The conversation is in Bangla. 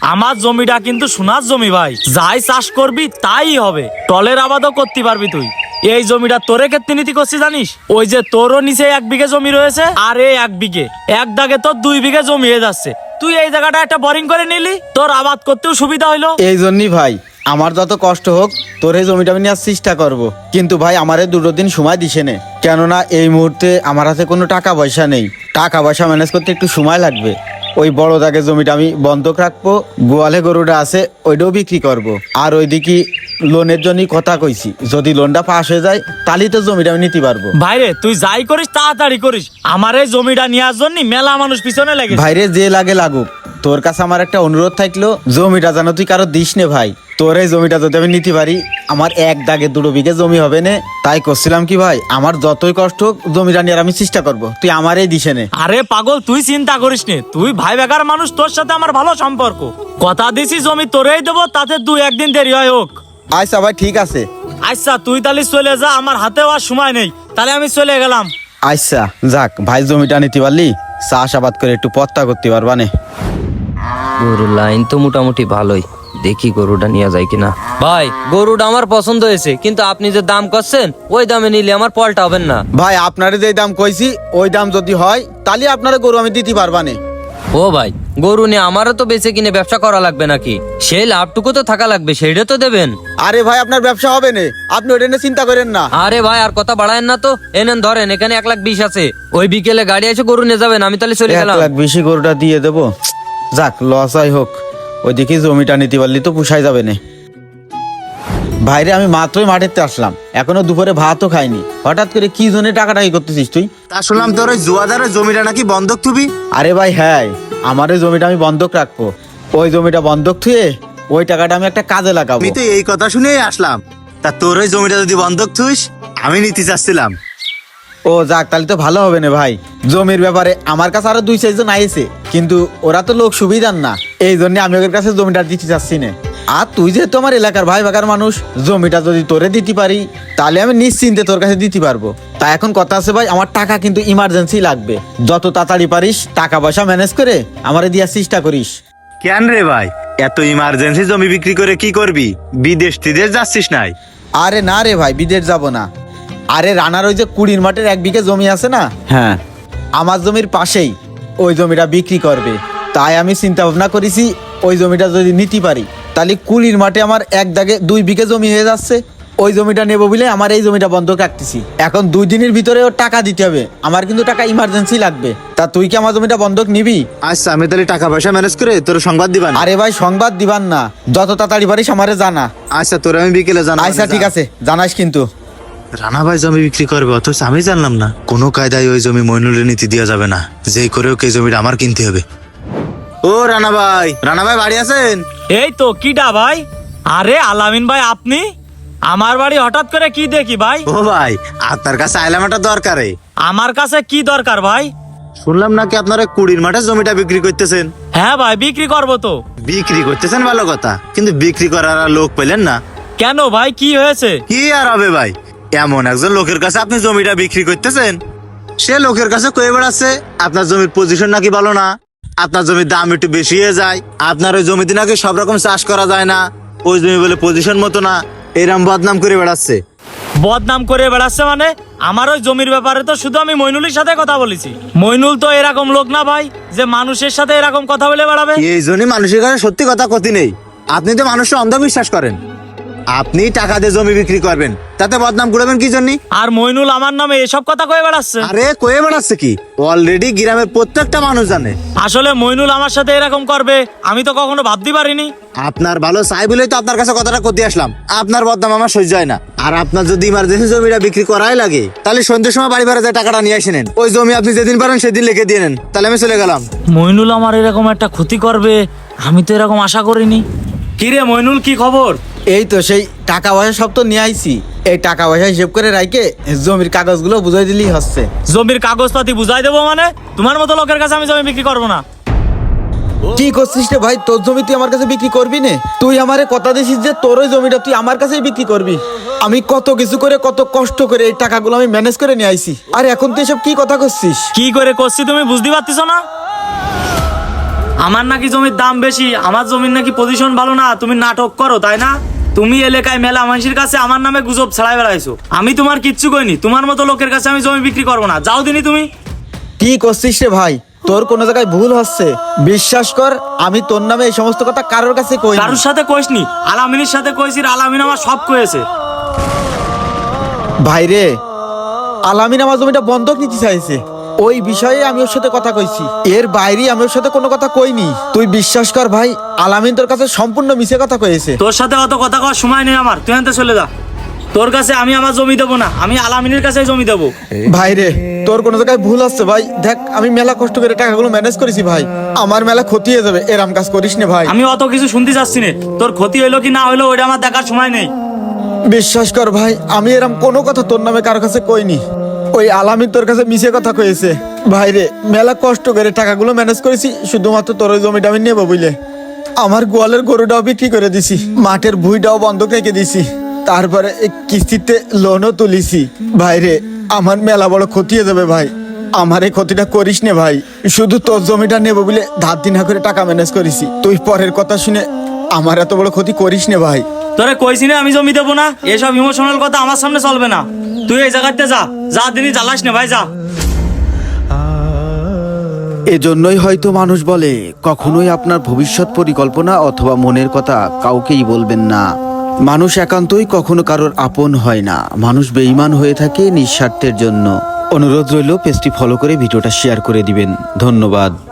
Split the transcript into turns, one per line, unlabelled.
আমার জমিটা কিন্তু সোনার জমি ভাই, যাই চাষ করবি তাই হবে, টলের আবাদও করতে পারবি তুই। এই জমিটা তোরে ক্ষেত্রে নীতি করছি জানিস? ওই যে তোরও নিচে 1 বিঘে জমি রয়েছে, আর এই 1 বিঘে, এক দাগে তোর 2 বিঘে জমি হয়ে যাচ্ছে। তুই এই জায়গাটা একটা বোরিং করে নিলি, তোর আবাদ করতেও সুবিধা হইলো।
এই জন্যই ভাই আমার যত কষ্ট হোক তোর এই জমিটা আমি নেওয়ার চেষ্টা করবো, কিন্তু ভাই আমারে 2 দিন সময় দিছে নে, কেননা এই মুহূর্তে আমার হাতে কোনো টাকা পয়সা নেই। টাকা পয়সা ম্যানেজ করতে একটু সময় লাগবে। ওই বড় দাগের জমিটা আমি বন্ধক রাখবো, গোয়ালে গরুটা আছে ওইটাও বিক্রি করব। আর ওইদিকে লোনের জন্যই কথা কইছি, যদি লোনটা পাস হয়ে যায় তাহলেই তো জমিটা আমি নিতে পারবো।
ভাইরে তুই যাই করিস তাড়াতাড়ি করিস, আমার এই জমিটা নেওয়ার জন্য মেলা মানুষ পিছনে লেগে।
ভাইরে যে লাগে লাগুক, তোর কাছে আমার একটা অনুরোধ থাকলো, জমিটা যেন তুই কারো দিস নে ভাই। তোর এই জমিটা যদি আমি নিতে পারি, আমার 1 দাগে 2 বিঘে জমি হবে না। তাই করছিলাম কি ভাই, আমার যতই কষ্ট হোক জমিটা নিয়ে আমি চেষ্টা করবো, তুই আমারই দিসে নে।
আরে পাগল তুই চিন্তা করিস নে, তুই ভাই বেকার মানুষ, তোর সাথে আমার ভালো সম্পর্ক, কথা দিছি জমি তোরেই দেবো, তাতে 2-1 দিন দেরি হয় হোক।
আচ্ছা ভাই ঠিক আছে।
আচ্ছা তুই তাহলে চলে যা, আমার হাতেও আর সময় নেই, তাহলে আমি চলে গেলাম।
আচ্ছা যাক ভাই, জমিটা নিতে পারলি চাষাবাদ করে একটু পত্তা করতে পারবা নে।
গরুর লাইন তো মোটামুটি ভালোই, দেখি গরুটা নিয়ে যায় কিনা। ভাই গরুটা আমার পছন্দ হয়েছে, কিন্তু আপনি যে দাম করছেন ওই দামে নিলে আমার পলটা হবেন না।
ভাই আপনারে যে দাম কইছি ওই দাম যদি হয় তাহলে আপনারা গরু আমি দিতে পারবা নে।
ও ভাই গরু নিয়ে আমারও তো বেঁচে কিনে ব্যবসা করা লাগবে নাকি? সেই লাভটুকু তো থাকা লাগবে, সেইটা তো দেবেন।
আরে ভাই আপনার ব্যবসা হবে না, আপনি ওটা নিয়ে চিন্তা করেন না।
আরে ভাই আর কথা বাড়ায়েন না তো, এনেন ধরেন, এখানে 1,20,000 আছে, ওই বিকেলে গাড়ি এসে গরু নিয়ে যাবেন, আমি তাহলে চলে গেলাম।
1 লাখ বেশি গরুটা দিয়ে দেবো, যাক লস হয় হোক, ওইদিকে জমিটা নিতে পারলি তো পুষাই যাবে না। ভাইরে আমি মাত্রই মাঠেতে আসলাম, এখনো দুপুরে ভাতও খাইনি, হঠাৎ করে কি জন্য টাকাটাকি করতেছিস তুই?
তা শুনলাম তোর ওই জুয়াদারের জমিটা নাকি বন্ধক থুবি।
আরে ভাই হ্যাঁ, আমার ওই জমিটা আমি বন্ধক রাখবো, ওই জমিটা বন্ধক থুয়ে ওই টাকাটা আমি একটা কাজে লাগাবো।
আমি তো এই কথা শুনেই আসলাম। তা তোর ওই জমিটা যদি বন্ধক থুইস, আমি নিতে চাচ্ছিলাম।
ও যাক, তাহলে তো ভালো হবে না ভাই। জমির ব্যাপারে আমার কাছে আরো 2-4 জন আইছে, কিন্তু ওরা তো লোক সুবিধার না, এই জন্য আমি ওদের কাছে জমিটা দিতে চাচ্ছি না। আর তুই যেহেতু আমার এলাকার ভাই বাগার মানুষ, জমিটা যদি তোরে দিতে পারি তাহলে আমি নিশ্চিন্তে তোর কাছে দিতে পারবো। তা এখন কথা আছে ভাই, আমার টাকা কিন্তু ইমার্জেন্সি লাগবে, যত তাড়াতাড়ি পারিস টাকা পয়সা ম্যানেজ করে আমারে দেওয়ার চেষ্টা করিস।
কেন রে ভাই, এত ইমার্জেন্সি জমি বিক্রি করে কি করবি? বিদেশ টিদেশ যাচ্ছিস নাই?
আরে না রে ভাই, বিদেশ যাব না। আরে রানার ওই যে 20 মাঠের 1 বিঘে জমি আছে না, হ্যাঁ আমার জমির পাশেই ওই জমিটা বিক্রি করবে। তাই আমি চিন্তা ভাবনা করেছি, ওই জমিটা যদি নিতে পারি তাহলে 20 মাঠে আমার 1 দাগে 2 বিঘে জমি হয়ে যাচ্ছে। ওই জমিটা নেবো বলে আমার এই জমিটা বন্ধক রাখতেছি। এখন 2 দিনের ভিতরে ওর টাকা দিতে হবে, আমার কিন্তু টাকা ইমার্জেন্সি লাগবে। তা তুই কি আমার জমিটা বন্ধক নিবি?
আচ্ছা আমি তাহলে টাকা পয়সা ম্যানেজ করে তোর সংবাদ দিবান।
আরে ভাই সংবাদ দিবান না, যত তাড়াতাড়ি পারিস আমারে জানা।
আচ্ছা তোর আমি বিকেলে জানাবো।
আচ্ছা ঠিক আছে, জানাস কিন্তু।
রানা ভাই জমি বিক্রি করবে, অথচ আমি জানলাম না। কোনো কায়দায় ওই জমি মইনুলের নীতি দেওয়া যাবে না, যেই করেও এই জমিটা আমার কিনতে হবে। ও রানা ভাই, রানা ভাই বাড়ি আছেন?
এই তো কিডা ভাই? আরে আলামিন ভাই আপনি? আমার বাড়ি হঠাৎ করে কি দেখি ভাই?
ও ভাই আপনার কাছে আইলাম একটা দরকারে।
আমার কাছে কি দরকার ভাই?
শুনলাম নাকি আপনারা 20 মাঠে জমিটা বিক্রি করতেছেন।
হ্যাঁ ভাই বিক্রি করবো তো।
বিক্রি করতেছেন ভালো কথা, কিন্তু বিক্রি করার আর লোক পেলেন না
কেন ভাই, কি হয়েছে?
কি আর হবে ভাই, এমন একজন লোকের কাছে আপনি জমিটা বিক্রি করতেছেন, সে লোকের কাছে কয়ে বেড়াচ্ছে আপনার জমির পজিশন নাকি ভালো না, আপনার জমির দাম একটু বেশি হয়ে যায়, আপনার ওই জমিতে নাকি সব রকম চাষ করা যায় না, ওই জমি বলে পজিশন মতো না, এরম বদনাম করে বেড়াচ্ছে।
বদনাম করে বেড়াচ্ছে মানে? আমার ওই জমির ব্যাপারে তো শুধু আমি মইনুলের সাথে কথা বলেছি। মইনুল তো এরকম লোক না ভাই যে মানুষের সাথে এরকম কথা বলে বেড়াবে।
এই জন্যই মানুষের কাছে সত্যি কথা ক্ষতি নেই। আপনি তো মানুষের অন্ধবিশ্বাস করেন, আপনি টাকা দিয়ে জমি বিক্রি করবেন, তাতে বদনাম করবেন কি জন্য?
আর মইনুল আমার নামে এসব কথা কয়ে বেড়াচ্ছে।
আরে কয়ে বেড়াচ্ছে কি, অলরেডি গ্রামের প্রত্যেকটা মানুষ জানে।
আসলে মইনুল আমার সাথে এরকম করবে আমি তো কখনো ভাবতে পারিনি।
আপনার ভালো চাই বলেই তো আপনার কাছে কথাটা করতে আসলাম। আপনার বদনাম আমার সহ্য হয় না। আর আপনার যদি ইমার্জেন্সি জমিটা বিক্রি করাই লাগে, তাহলে সন্ধ্যের সময় বাড়ি ভাড়া যায় টাকাটা নিয়ে আসে নেন। ওই জমি আপনি যেদিন পারেন সেদিন লিখে দিয়ে নেন, তাহলে আমি চলে গেলাম।
মইনুল আমার এরকম একটা ক্ষতি করবে আমি তো এরকম আশা করিনি। কিরে মইনুল, কি খবর?
এই তো সেই টাকা পয়সা সব তো নিয়ে আইছি, এই টাকা পয়সা হিসেব করে রাখে জমির কাগজগুলো বুঝাই দিলেই হচ্ছে।
জমির কাগজপাতি বুঝাই দেবো মানে? তোমার মতো লোকের কাছে আমি জমি বিক্রি করবো না।
কি করছিস রে ভাই, তোর জমি তুই আমার কাছে বিক্রি করবি না? তুই আমারে কথা দিছিস যে তোর ওই জমিটা তুই আমার কাছেই বিক্রি করবি। আমি কত কিছু করে কত কষ্ট করে এই টাকাগুলো আমি ম্যানেজ করে নিয়ে আইছি, আর এখন তুই এসব কি কথা করছিস?
কি করে করছি তুমি বুঝতে পারতেছো না? আমার নাকি জমির দাম বেশি, আমার জমির নাকি পজিশন ভালো না, তুমি নাটক করো তাই না? তুমি এলাকায় মেলা মানুষের কাছে আমার নামে গুজব ছড়াই বেড়াইছো। আমি তোমার কিচ্ছু কইনি, তোমার মতো লোকের কাছে আমি জমি বিক্রি করবো না, যাও দিনই তুমি।
কি করছিস রে ভাই? তোর কোনো জায়গায় ভুল হচ্ছে। বিশ্বাস কর, আমি তোর নামে এই সমস্ত কথা কারোর কাছে কই
কারোর সাথে কইসনি, আলামিনের সাথে কইছি, আলামিন আমার সব কয়েছে।
ভাই রে, আলামিন আমার জমিটা বন্ধক নিতে চাইছে, ওই বিষয়ে আমি ওর সাথে কথা কইছি। এর বাইরে আমি ওর সাথে কোনো কথা কইনি। তুই বিশ্বাস কর ভাই, আলামিন তোর কাছে সম্পূর্ণ মিছে কথা কয়েছে।
তোর সাথে অত কথা কওয়ার সময় নেই আমার, তুই আনতে চলে যা। তোর কাছে আমি আমার জমি দেবো না, আমি আলামিনের কাছে জমি দেবো।
ভাই রে, তোর কোনো জায়গায় ভুল হচ্ছে ভাই। দেখ, আমি মেলা কষ্ট করে টাকাগুলো ম্যানেজ করেছি ভাই, আমার মেলা ক্ষতি হয়ে যাবে, এরম কাজ করিস না ভাই।
আমি অত কিছু শুনতে চাচ্ছি না, তোর ক্ষতি হইলো কি না হইলো ওইটা আমার দেখার সময় নেই।
বিশ্বাস কর ভাই, আমি এরম কোনো কথা তোর নামে কারোর কাছে কইনি। ওই আলামিন তোর কাছে মিছে কথা কয়েছে। ভাই রে, মেলা কষ্ট করে টাকাগুলো ম্যানেজ করেছি শুধুমাত্র তোর ওই জমিটা আমি নেবো বুঝলে। আমার গোয়ালের গরুটাও বিক্রি করে দিছি, মাঠের ভুঁইটাও বন্ধক রেখে দিছি, তারপরে এই কিস্তিতে লোনও তুলিছি। ভাই রে, আমার মেলা বড় ক্ষতি হয়ে যাবে ভাই, আমার এই ক্ষতিটা করিস নে ভাই। শুধু তোর জমিটা নেবো বলে ধার দিনা করে টাকা ম্যানেজ করেছি, তুই পরের কথা শুনে আমার এত বড় ক্ষতি করিস নে ভাই।
তোরে কইছি না আমি জমি দেবো না, এসব ইমোশনাল কথা আমার সামনে চলবে না। তুই এই জায়গাতে যা, যা দিনই জ্বালাস না ভাই, যা।
এজন্যই হয়তো মানুষ বলে, কখনোই আপনার ভবিষ্যৎ পরিকল্পনা অথবা মনের কথা কাউকেই বলবেন না। মানুষ একান্তই কখনো কারোর আপন হয় না, মানুষ বেঈমান হয়ে থাকে নিঃস্বার্থের জন্য। অনুরোধ রইল পেজটি ফলো করে ভিডিওটা শেয়ার করে দিবেন। ধন্যবাদ।